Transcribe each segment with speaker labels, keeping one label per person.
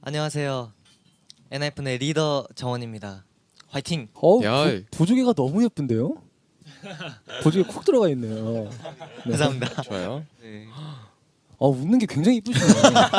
Speaker 1: 안녕하세요. 엔하이픈의 리더 정원입니다. 화이팅!
Speaker 2: 야.
Speaker 3: 보조개가 너무 예쁜데요? 보조개 콕 들어가 있네요. 네.
Speaker 1: 감사합니다.
Speaker 2: 좋아요.
Speaker 1: 네.
Speaker 3: 웃는 게 굉장히 이쁘시네요.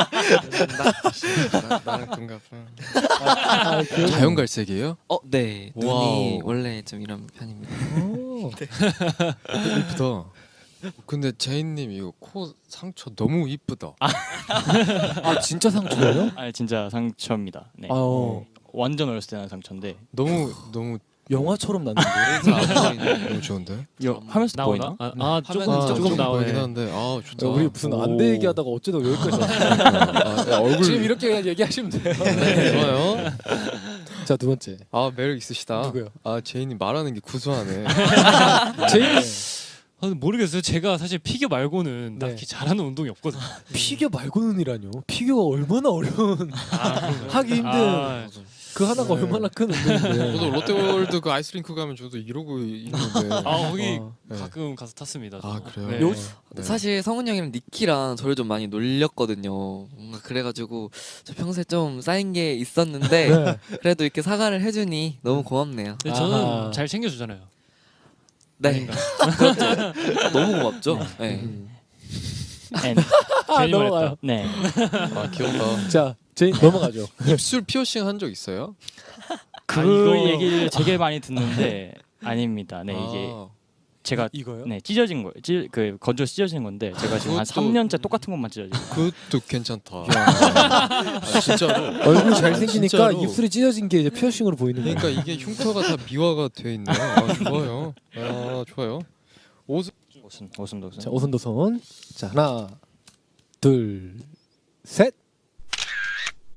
Speaker 2: 나랑 동갑.
Speaker 3: 그래요?
Speaker 2: 자연갈색이에요?
Speaker 4: 네. 눈이
Speaker 2: 와우.
Speaker 4: 원래 좀 이런 편입니다.
Speaker 3: 오.
Speaker 2: 이쁘다. 근데 제이님 이거 코 상처 너무 이쁘다.
Speaker 3: 진짜 상처예요?
Speaker 5: 아 진짜 상처입니다. 네.
Speaker 3: 아,
Speaker 5: 완전 어렸을 때 난 상처인데.
Speaker 2: 너무
Speaker 3: 영화처럼 났는데.
Speaker 2: 너무 좋은데?
Speaker 5: 하면서 보이나?
Speaker 2: 조금 나오긴 하는데 좋다.
Speaker 3: 우리 무슨 안대 얘기하다가 어쩌다 여기까지 왔어요.
Speaker 2: 얼굴
Speaker 3: 지금 이렇게 그냥 얘기하시면 돼요.
Speaker 2: 네, 좋아요.
Speaker 3: 자, 두 번째.
Speaker 2: 매력 있으시다.
Speaker 3: 누구요?
Speaker 2: 제이님 말하는 게 구수하네.
Speaker 3: 제일
Speaker 6: 모르겠어요. 제가 사실 피겨 말고는
Speaker 3: 네.
Speaker 6: 딱히 잘하는 운동이 없거든요.
Speaker 3: 피겨 말고는이라뇨. 피겨가 얼마나 어려운 하기 힘든
Speaker 6: 아,
Speaker 3: 그 하나가
Speaker 2: 네.
Speaker 3: 얼마나 큰 운동인데.
Speaker 2: 저도 롯데월드 그 아이스링크 가면 저도 이러고 있는데.
Speaker 6: 거기
Speaker 2: 네.
Speaker 6: 가끔 가서 탔습니다.
Speaker 2: 아,
Speaker 6: 저도.
Speaker 2: 그래요?
Speaker 6: 네.
Speaker 3: 요-
Speaker 2: 네.
Speaker 4: 사실 성훈이 형이랑 니키랑 저를 좀 많이 놀렸거든요. 뭔가 그래가지고 저 평소에 좀 쌓인 게 있었는데
Speaker 3: 네.
Speaker 4: 그래도 이렇게 사과를 해주니 너무 고맙네요.
Speaker 6: 근데 저는
Speaker 3: 아하.
Speaker 6: 잘 챙겨주잖아요.
Speaker 4: 네. 그렇죠. 너무 고맙죠. 네.
Speaker 5: N.
Speaker 6: 괜히
Speaker 3: 넘어가요.
Speaker 6: 말했다.
Speaker 5: 네.
Speaker 2: 귀엽다.
Speaker 3: 자, 제인 넘어가죠.
Speaker 2: 입술 피어싱 한 적 있어요?
Speaker 5: 그
Speaker 6: 이거-
Speaker 5: 얘기를 되게 많이 듣는데 아닙니다. 네 이게 제가
Speaker 3: 이거요?
Speaker 5: 네 찢어진 거예요. 그 건조 찢어진 건데 제가 지금 한
Speaker 2: 그것도-
Speaker 5: 3년째 똑같은 것만 찢어지고.
Speaker 2: 그것도 괜찮다. 진짜로.
Speaker 3: 얼굴 잘생기니까
Speaker 2: 진짜로.
Speaker 3: 입술이 찢어진 게 이제 피어싱으로 보이는 거예요.
Speaker 2: 그러니까 이게 흉터가 다 미화가 돼 있네요. 좋아요. 좋아요.
Speaker 5: 오순.
Speaker 3: 자, 오손도손. 자, 하나, 둘, 셋.